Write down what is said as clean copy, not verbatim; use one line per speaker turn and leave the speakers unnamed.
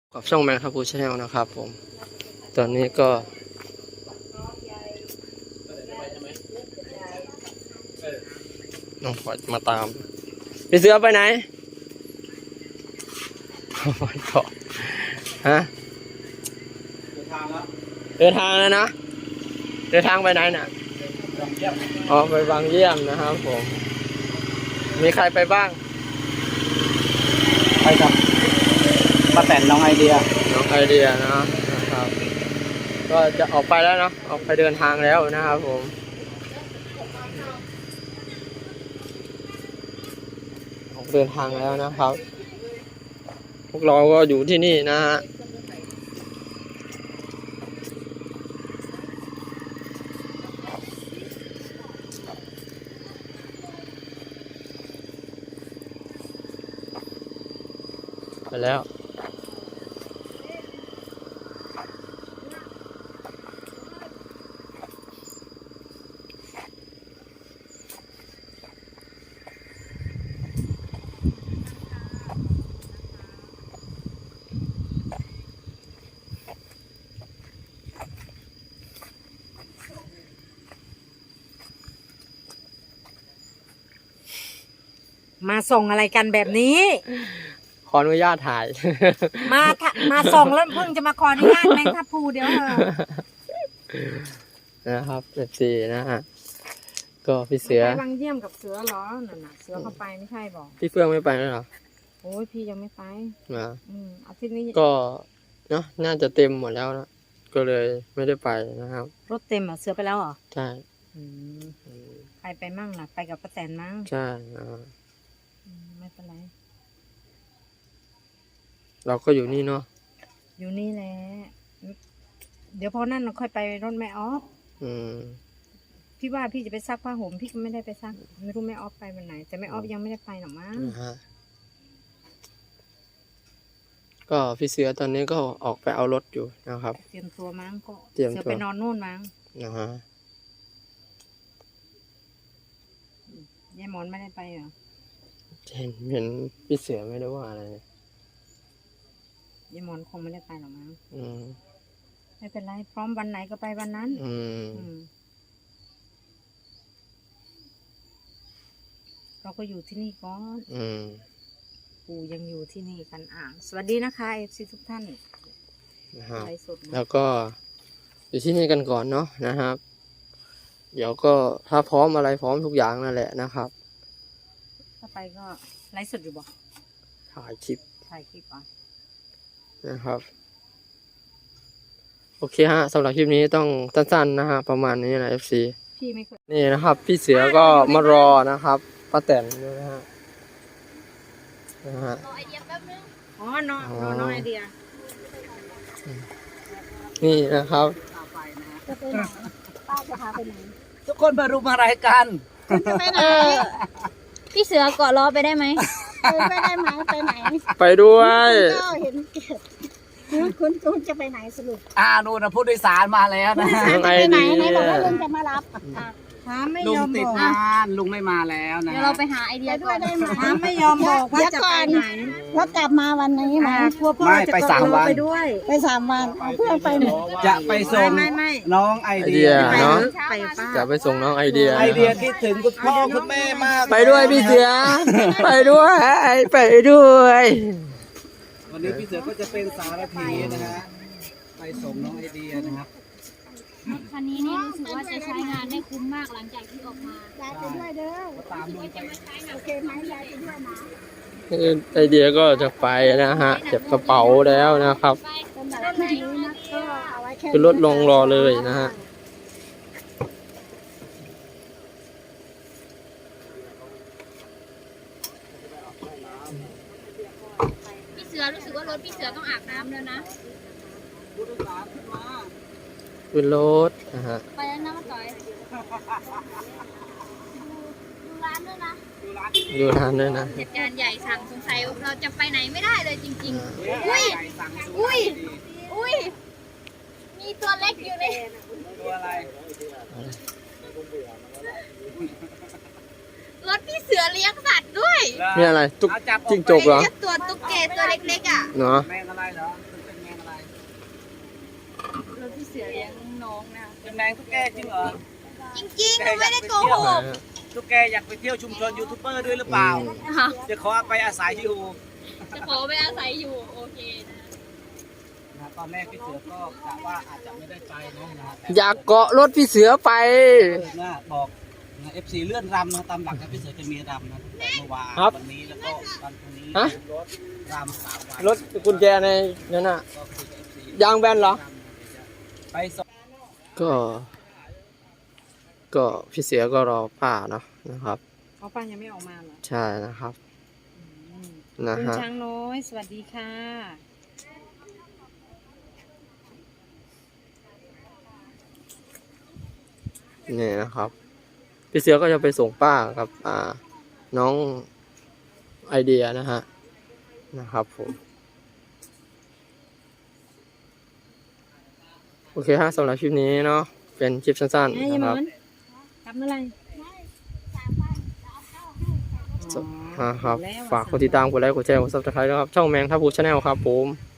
กับช่องแมนครับพูชาแนลนะครับผมตอนนี้ก็น้องพอมาตามพี่เสือไปไหนไปก่อนฮะเดินทางแล้วนะเดินทางไปไหนน่ะอ๋อไปบางเยี่ยมนะครับผมมีใครไปบ้าง
ไปกับป้าแตนน้องไอเดีย
นะครับก็จะออกไปแล้วเนาะออกไปเดินทางแล้วนะครับผมออกเดินทางแล้วนะครับพวกเราก็อยู่ที่นี่นะฮะไปแล้ว
มาส่งอะไรกันแบบนี้
ขออนุญาตถ่าย
มาส่งแล้วเพิ่งจะมาขออนุญาตแมงทับพลูเดี๋ยวเถอะ
นะครับ14นะฮะก็พี่เสือ
ไปบางเยี่ยมกับเสือเหรอนั่นน่ะเสือเข้าไปไม่ใช่บอก
พี่เฟื่องไม่ไปแล้วเหรอ
โอ้ยพี่ยังไม่ไป
มา
อาทิตย์นี้
ก็เนาะน่าจะเต็มหมดแล้วนะก็เลยไม่ได้ไปนะครับ
รถเต็มเหรอเสือไปแล้วเหรอ
ใช่
ใครไปมั่งล่ะไปกับป้าแตนมั้ง
ใช่
ไม่เป็นไร
เราก็อยู่นี่เนาะ
อยู่นี่แหละเดี๋ยวพอนั่นเราค่อยไปรถแม่ออฟพี่ว่าพี่จะไปซักผ้าห่มพี่ก็ไม่ได้ไปซักไม่รู้แม่ออฟไปวันไหนแต่แม่ออฟยังไม่ได้ไปหรอกมั้ง
ก็พี่เสือตอนนี้ก็ออกไปเอารถอยู่นะครับ
เตรียมตัวมั้งก็
เตรียมตัว
เสือไปนอนนู่นมั้ง
นะฮะ
ยายหมอนไม่ได้ไปเหรอ
เห็นพี่เสือไม่ได้ว่าอะไรเลย
ยายหมอนคงไม่ได้ไปหรอกมั้ง
ม
ไม่เป็นไรพร้อมวันไหนก็ไปวันนั้นเราก็อยู่ที่นี่ก่อนปู่ยังอยู่ที่นี่กันสวัสดีนะคะเอฟซีทุกท่าน
นะครับ
ไลฟ์สดนะ
แล้วก็อยู่ที่นี่กันก่อนเนาะนะครับ เดี๋ยวก็ถ้าพร้อมอะไรพร้อมทุกอย่างนั่นแหละนะครับ
ถ้าไปก็ไลฟ์สดอยู่บ่
ถ่ายคลิป
ถ่ายคลิปอ่ะ
นะครับโอเคฮะสำหรับคลิปนี้ต้องสั้นๆนะฮะประมาณนี้นะ FC
พี่ไม่เคย
นี่นะครับพี่เสือก็มารอนะครับป้าแตนด้วยนะฮะ
รอไอเดียแป๊บนึงน้องไอเดีย
นี่นะครับ
จะไปไหนป้าจะพาไปไหน
ทุกคนมารุมอะไรกัน
จะไปไหน
พี่เสือเกาะล้อไปได้ไหม
ไปได้ไหมไปไหน
ไปด้วย
ก็เห็นคุณจะไปไหนสรุป
นู่นนะผู้โดยสารมาแล้วนะ
น้องไอเดีย
บอกว่าลุงจะมารับไม่
ลุ
ย
ง
อม
ติ
บ
ด
อก
งานลุงไม่มาแล้วนะ
เดี๋ยวเราไปหาไอเดียก่อน
ไม่ยอมบอกว่าจะไปไหน
แล้วกลับมาวันนี้ไหม
กลัวพ่อ
ไม่
จะ
ไป3 วัน
ไปด้วย
ไป3 วันเอาเพื่อนไปหมด
จะไปส่ง
ไม่
น้องไอ
ไอ
เดี
เดี
ย
ยเนาะ
ไปป้า
จะไปส่งน้องไอเดีย
ไอเดียคิดถึงคุณพ่อคุณแม่มาก
ไปด้วยพี่เสือไปด้วยไปด้วย
วันนี้พี่เสือก็จะเป็นสารพีนะฮะไปส่งน้องไอเดียนะครับ
คันนี้เนี่ยรู้สึกว่าจะใช้งานได้คุ้มมากหลังจากที่ออกมา
ยายไปด้วยเด้อ
ตามลุงไป
โอเคไหมยายไปด้วยนะ
ไอเดียก็จะไปนะฮะเก็บกระเป๋าแล้วนะครับ
สำหรับคลิปนี้นะก็เอาไว้แค่
ขึ้นรถลงรอเลยนะฮะ
พี่เสือรู้สึกว่ารถพี่เสือต้องอาบน้ำแล้วนะ
ขึ้นรถนะฮะ
ไปแล้วนะมาต่อยดูร้านด้วยนะ
ดูทานด้วยนะ
เหตุการณ์ใหญ่สั่งสงสัยเราจะไปไหนไม่ได้เลยจริงๆ อุ้ยมีตัวเล็กอยู่ใน
ตัวอะไร
รถพี่เสือเลี้ยงสัตว์ด้วย
นี่อะไรตุ๊ก
เอาจับออก
จิ้งจกเหรอ
ตัวตุ๊กแกตัวเล็กๆอ่ะ
เนาะ
แมงอะไรเหรอ
รถพี่เสือเลี้ยงน้องนะ
เป็นแมงตุ๊กแกจริงเหรอ
จริงๆไม่ได้โกหก
ตุ๊กแกอยากไปเที่ยวชุมชนยูทูบเบอร์ด้วยหรือเปล่า
ค่ะ
จะขอไปอาศัยอยู่
จะขอไปอาศัยอยู่โอเคนะ
ตอนแรกพี่เสือก็กะว่าอาจจะไม่ได้ไปนะแต่
อยากเกาะรถพี่เสือไป
นะบอกเอฟซีเลื่อนรำนะตามหลักนะพี่เสือจะมีรำนะตั้งแต่เมื่อวาน
ครับ
วันนี้แล้วก็วันพรุ่งนี้
ฮะ
รำ3 วัน
รถกุญแจในนั่นน่ะ
ก็คือเอฟซี
ยางแบนเหรอ
ไปส่ง
ก็พี่เสือก็รอป้าเนาะนะครับ
เขาป้ายังไม่ออกมาเหรอ
ใช่นะครับ
อืม
นะ
คุณ
ฮะ
ช้างน้อย สวัสดีค่ะ
นี่นะครับ พี่เสือก็จะไปส่งป้ากับน้องไอเดียนะฮะนะครับผมโอเคฮะสำหรับคลิปนี้เนาะเป็นคลิปสั้น
ไอ้
ๆ
ยาย
นะ
ห
ค
ม
รับ
อนกลับเมื่อไหร่
ครับฝากกดติดตามกดไลค์กดแชร์กดซับสไครต์นะครับช่องแมงทับพูชาแนลครับผม